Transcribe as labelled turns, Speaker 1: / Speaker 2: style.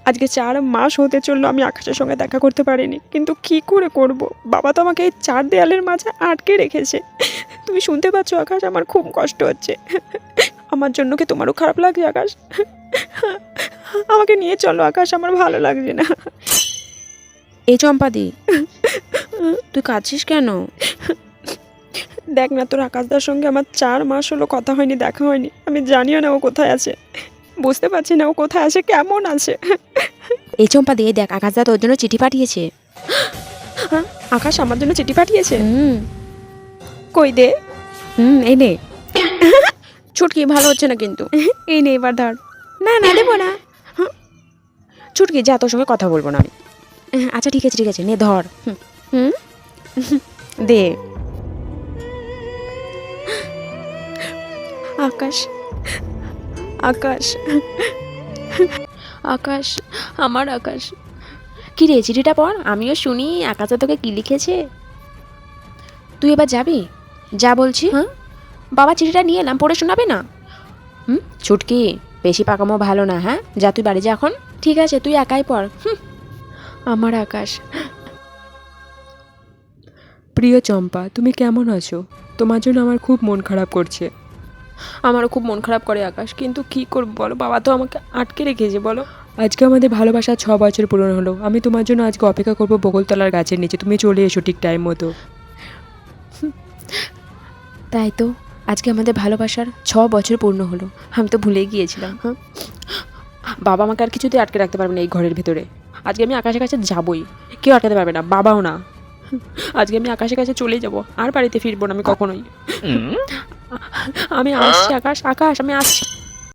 Speaker 1: আজকে 4 মাস হতে চললো আমি আকাশের সঙ্গে দেখা করতে পারিনি, কিন্তু কি করে করব? বাবা তো আমাকে এই 4 দেয়ালের মাঝে আটকে রেখেছে। তুমি শুনতে পাচ্ছ আকাশ, আমার খুব কষ্ট হচ্ছে। আমার জন্য কি তোমারও খারাপ লাগছে আকাশ? আমাকে নিয়ে চলো আকাশ, আমার ভালো লাগছে না।
Speaker 2: এই চম্পাদি, তুই কাঁদছিস কেন?
Speaker 1: দেখ না, তোর আকাশদার সঙ্গে আমার 4 মাস হলো কথা হয়নি, দেখা হয়নি। আমি জানিও না ও কোথায় আছে, বুঝতে পারছি না ও কোথায় আছে, কেমন আছে।
Speaker 2: এই চম্পাদি, এই দেখ আকাশদা তোর জন্য চিঠি পাঠিয়েছে।
Speaker 1: হ্যাঁ, আকাশ আমার জন্য চিঠি পাঠিয়েছে?
Speaker 2: হুম
Speaker 1: কই দে।
Speaker 2: এই নে। ছুটকি, ভালো হচ্ছে না কিন্তু।
Speaker 1: এই নে, এবার ধর।
Speaker 2: না না, দেবো না। ছুটকি, যা, তোর সঙ্গে কথা বলবো না আমি। আচ্ছা ঠিক আছে ঠিক আছে, নে ধর। হুম দে।
Speaker 1: আকাশ, আকাশ, আকাশ, আমার আকাশ।
Speaker 2: কি রে, চিঠিটা পড়, আমিও শুনি আকাশে তোকে কি লিখেছে। তুই এবার যাবি? যা বলছি। হ্যাঁ, বাবা চিঠিটা নিয়ে এলাম, পড়ে শোনাবে না? ছুটকি, বেশি পাকামো ভালো না। হ্যাঁ, যা, তুই বাড়ি যা এখন। ঠিক আছে, তুই একাই পড়।
Speaker 1: আমার আকাশ।
Speaker 3: প্রিয় চম্পা, তুমি কেমন আছো? তোমার জন্য আমার খুব মন খারাপ করছে।
Speaker 1: আমারও খুব মন খারাপ করে আকাশ, কিন্তু কি করবো বলো, বাবা তো আমাকে আটকে রেখেছে। বলো।
Speaker 3: আজকে আমাদের ভালোবাসা 6 বছর পূরণ হলো। আমি তোমার জন্য আজকে অপেক্ষা করবো বকুলতলার গাছের নিচে। তুমি চলে এসো ঠিক টাইম মতো।
Speaker 2: তাই তো, আজকে আমাদের ভালোবাসার 6 বছর পূর্ণ হলো। আমি তো ভুলেই গিয়েছিলাম।
Speaker 1: বাবা আমাকে আর কিছুতে আটকে রাখতে পারবে না এই ঘরের ভেতরে। আজকে আমি আকাশের কাছে যাবই, কেউ আটকাতে পারবে না, বাবাও না। আজকে আমি আকাশের কাছে চলে যাব, আর বাড়িতে ফিরবো না আমি কখনোই। আমি আসছি আকাশ, আকাশ আমি আসছি।